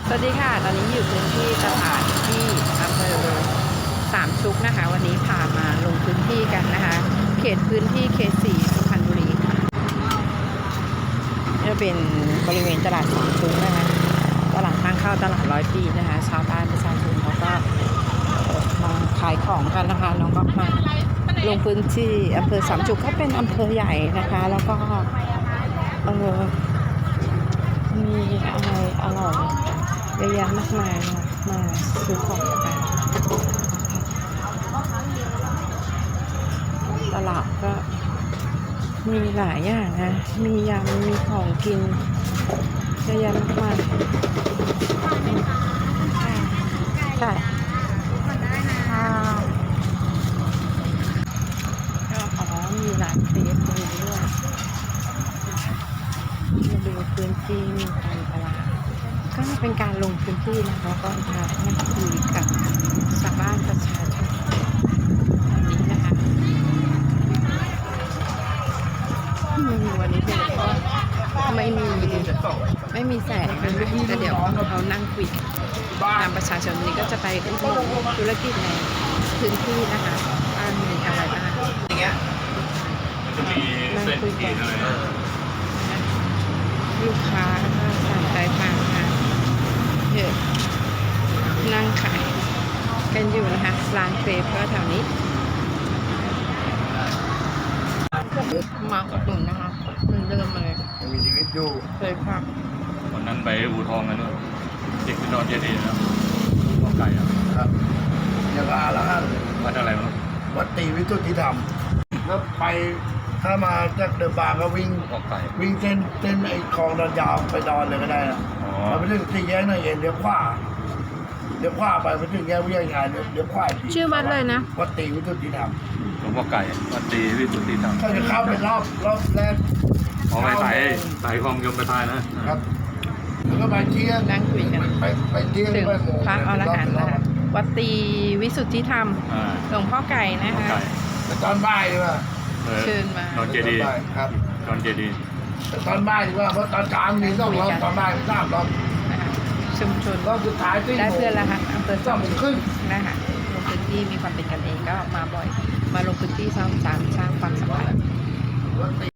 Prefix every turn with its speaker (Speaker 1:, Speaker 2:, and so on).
Speaker 1: สวัสดีค่ะ ตอนนี้อยู่พื้นที่ตลาดที่อำเภอสามชุกนะคะ วันนี้พามาลงพื้นที่กันนะคะ เขตพื้นที่เขต 4 สุพรรณบุรีค่ะนี่เป็นบริเวณตลาดสามชุกนะคะ ตลาดทางเข้าตลาด100 ปีนะคะ ชาวบ้านประชาชนเขาก็มาขายของกันนะคะน้องก็มาลงพื้นที่อำเภอสามชุกก็เป็นอำเภอใหญ่นะคะ แล้วก็มีอะไรอร่อยเยอะแยะมากมายมาซื้อของกันตลาดก็มีหลายอย่างนะมียำมีของกินเยอะแยะมากมายใช่ก็มีร้านเค้กตรงนี้ด้วยมาดูพื้นที่มีการตลาดก็เป็นการลงพื้นที่นะคะก็มานั่งคุยกับชาวบ้านประชาชนแบบนี้นะคะวันนี้เป็นก็ไม่มีแสงแต่เดี๋ยวเขานั่งคุยตามประชาชนนี้ก็จะไปอุดหนุนธุรกิจในพื้นที่นะคะว่ามีอะไรบ้างนั่งคุยกันลูกค้าก็สั่งใจทางค่ะเยอะนั่งขายกันอยู่นะคะร้านเครปก็แถวนี้มาอุดหนุนนะคะเหมือนเดิมเลย
Speaker 2: มีชีวิตอยู่
Speaker 1: เคยพัก
Speaker 3: วันนั้นไปอู่ทองกันด้วยเด็กไปนอนเย็นๆแล้วข้าวไก่
Speaker 2: ครับอย่างละห้า
Speaker 3: วัดอะไรมั้ง
Speaker 2: วัดตีวิสุทธิธรรมแล้วไปถ้ามาจากเดอะบาร์ก็วิ่งเส้นไอ้คลองดอนยาวไปดอนเลยก็ได้นะไปถึงสี่แยกหน่อยเองเดี๋ยวขวาไปถึงแยกวิทยาชาญเดี๋ยวขวา
Speaker 1: ชื่อวัดเลยนะ
Speaker 2: วัดตีวิสุทธิธรรม
Speaker 3: หลวงพ่อไก่วัดตีวิสุทธิธรรม
Speaker 2: เขาจะเข้าเป็นรอบแรก
Speaker 3: ไปสายคลองยมประทาน
Speaker 2: นะครับแล้วก็ไปเที่ยง
Speaker 1: นั่งคุยกัน
Speaker 2: ไปเที่ยง
Speaker 1: ไปพักอรหันต์นะคะวัดตีวิสุทธิธรรมหลวงพ่อไก่นะคะ
Speaker 2: ตอนบ่ายดีกว่า
Speaker 1: เชิญมา
Speaker 3: ตอนเจดี
Speaker 2: ครับ
Speaker 3: ตอนเจดี
Speaker 2: ตอนบ่ายดีกว่าเพราะตอนเช้ามี2 รอบตอนบ่าย3 รอบ
Speaker 1: ชุมชน
Speaker 2: รอบสุดท้าย
Speaker 1: ได้เพื่อนแล้วค่ะอำเภอ
Speaker 2: 2 โมงครึ่ง
Speaker 1: นะคะลงพื้นที่มีความเป็นกันเองก็มาบ่อยมาลงพื้นที่สร้างความสัมพันธ์